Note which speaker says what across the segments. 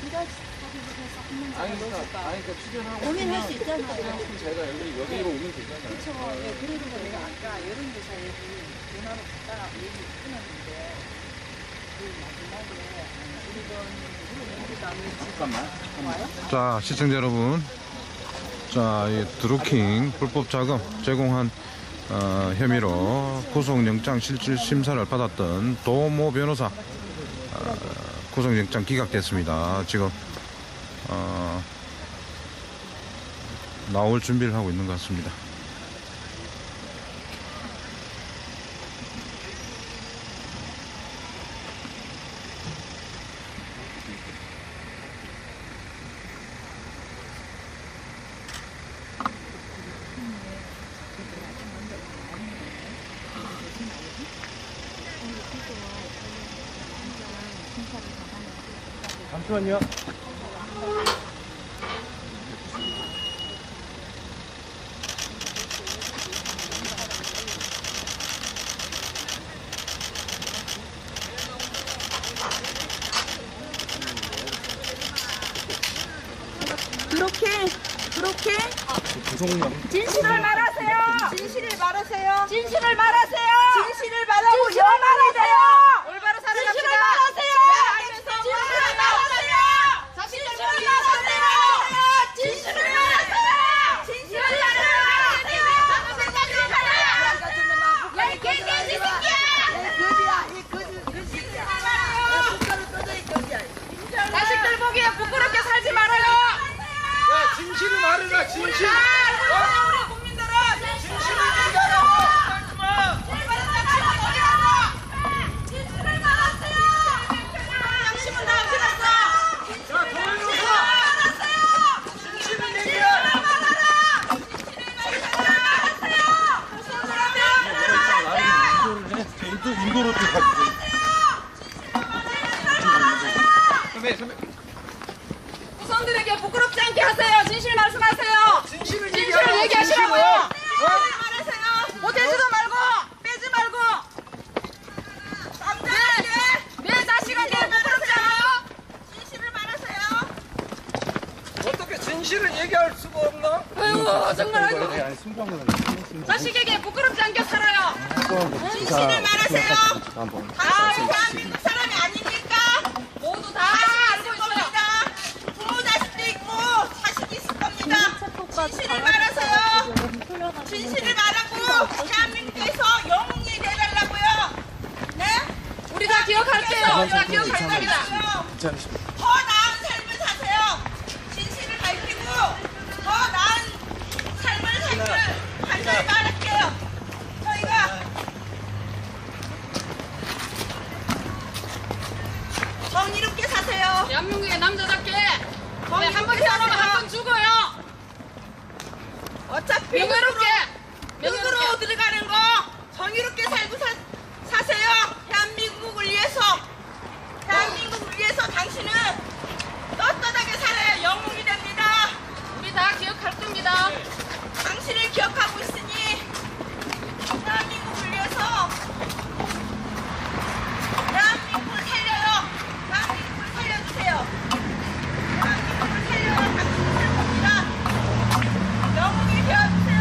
Speaker 1: 그러니까 출연하고
Speaker 2: 고민할 수 있잖아요.
Speaker 1: 제가 여기로 오면 되잖아요.
Speaker 2: 그렇죠. 예, 그래서 내가 아까 여론조사에 전화로 갔다가 얘기 끊었는데 그 마지막에
Speaker 1: 잠깐만.
Speaker 3: 자, 시청자 여러분, 자, 이 드루킹 불법 자금 제공한 혐의로 구속영장 실질 심사를 받았던 도모 변호사 구속영장 기각됐습니다. 지금 나올 준비를 하고 있는 것 같습니다.
Speaker 1: 잠시만요.
Speaker 2: 그렇게
Speaker 1: 구속영.
Speaker 2: 진실을 말하세요. 진실을 말하세요. 진실을 말하세요. 진실을 말하고 영원히 돼요. 올바로 살아갑시다. 진실을 말하세요. 진실을 말하세요. 진실을 말하세요. 진실을 말하세요. 진실을 말하세요. 야, 이 개돼지 새끼야. 거지야, 이 거지야. 자식들 보기에 부끄럽게 살지 말아요.
Speaker 1: 야, 진실을 말해라, 진실.
Speaker 2: 우리 국민들은 진실을 말하세요. 진실을 말하세요. 양심은 다 어디갔어?
Speaker 1: 자, 도현이가 진실을 얘기해. 인도로 좀 가주세요. 선배.
Speaker 2: 후손들에게 부끄럽지 않게 하세요. 진실 말씀하세요.
Speaker 1: 진실을
Speaker 2: 얘기하시라고요.
Speaker 1: 진실을
Speaker 2: 말하세요. 못해지도 말고 빼지 말고. 내 자식에게 부끄럽지 않아요? 진실을 말하세요.
Speaker 1: 어떻게 진실을 얘기할 수가 없나?
Speaker 2: 아이고 정말 아이고. 자식에게 부끄럽지 않게 살아요. 진실을 말하세요. 다 대한민국 사람이 아닙니까? 모두 다 알고 있어요. 부모 자식도 있고 자식이 있을 겁니다. 진실을 말하세요. 진실을 말하고 대한민국에서 영웅이 되달라고요. 네? 우리 다 기억할게요. 우리 다 기억할 겁니다. 더 나은 삶을 사세요. 진실을 밝히고 더 나은 삶을 간절히 말할게요. 저희가 정의롭게 사세요. 대한민국의 남자답게 한 번 살아면 한 번 죽어요. 어차피 흙으로 들어가는 거 정의롭게 살고 사세요. 대한민국을 위해서 당신은 떳떳하게 살아야 영웅이 됩니다. 우리 다 기억할 겁니다. 당신을 기억하고 있으니 대한민국을 위해서 대한민국을 살려요. 대한민국을 살려주세요. 대한민국을 살려야 당신이 살 겁니다. 영웅이 되어주세요.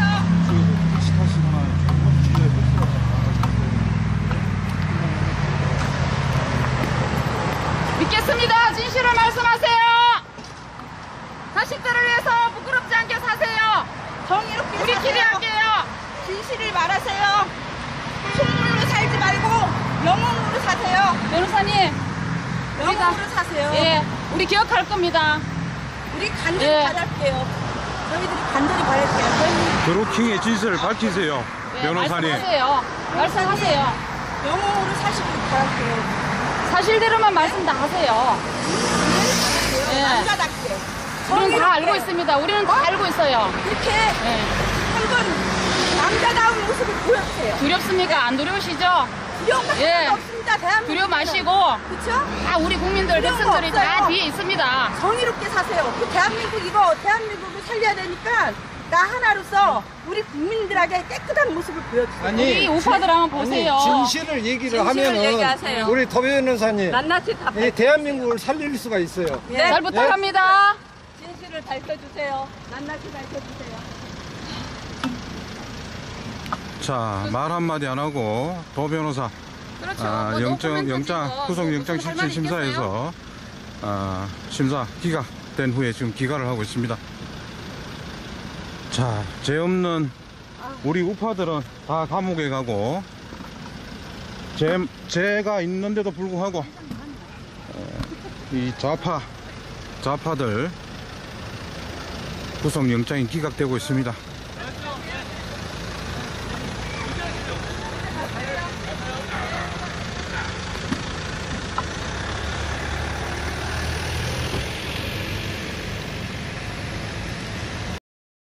Speaker 2: 믿겠습니다. 진실을 말씀하세요. 자식들을 위해서 부끄럽지 않게 사세요. 정의롭게 우리끼리 할게요. 진실을 말하세요. 속물로 살지 말고 영웅으로 사세요. 변호사님, 영웅으로 사세요. 예, 우리 기억할 겁니다. 우리 간절히 바랄게요. 저희들이 간절히 바랄게요.
Speaker 3: 드루킹의 진실을 밝히세요. 변호사님.
Speaker 2: 말씀하세요. 영웅으로 사시길 바랄게요. 사실대로만 말씀 다 하세요. 네. 남자답게. 우리는 다 알고 있습니다. 우리는 다 알고 있어요. 이렇게 한번 남자다운 모습을 보여주세요. 두렵습니까? 안 두려우시죠? 두려운 거 하나도 없습니다. 대한민국. 두려워 마시고. 그렇죠? 다 우리 국민들, 백성들이 다 뒤에 있습니다. 정의롭게 사세요. 그 대한민국을 살려야 되니까
Speaker 4: 나 하나로서 우리 국민들에게 깨끗한 모습을 보여주세요.
Speaker 2: 우리 우파들 한번 보세요.
Speaker 1: 진실을 얘기를 하면은
Speaker 4: 얘기하세요.
Speaker 1: 우리 더 변호사님
Speaker 4: 낱낱이 다
Speaker 1: 이 대한민국을 살릴 수가 있어요.
Speaker 2: 잘 부탁합니다.
Speaker 4: 진실을 밝혀주세요. 낱낱이 밝혀주세요.
Speaker 3: 자, 말 한마디 안 하고 도 변호사
Speaker 2: 그렇죠.
Speaker 3: 아, 구속영장 실질심사에서 심사 기각된 후에 지금 기각을 하고 있습니다. 자, 죄 없는 우리 우파들은 다 감옥에 가고 죄가 있는데도 불구하고 이 좌파들 구속영장이 기각되고 있습니다.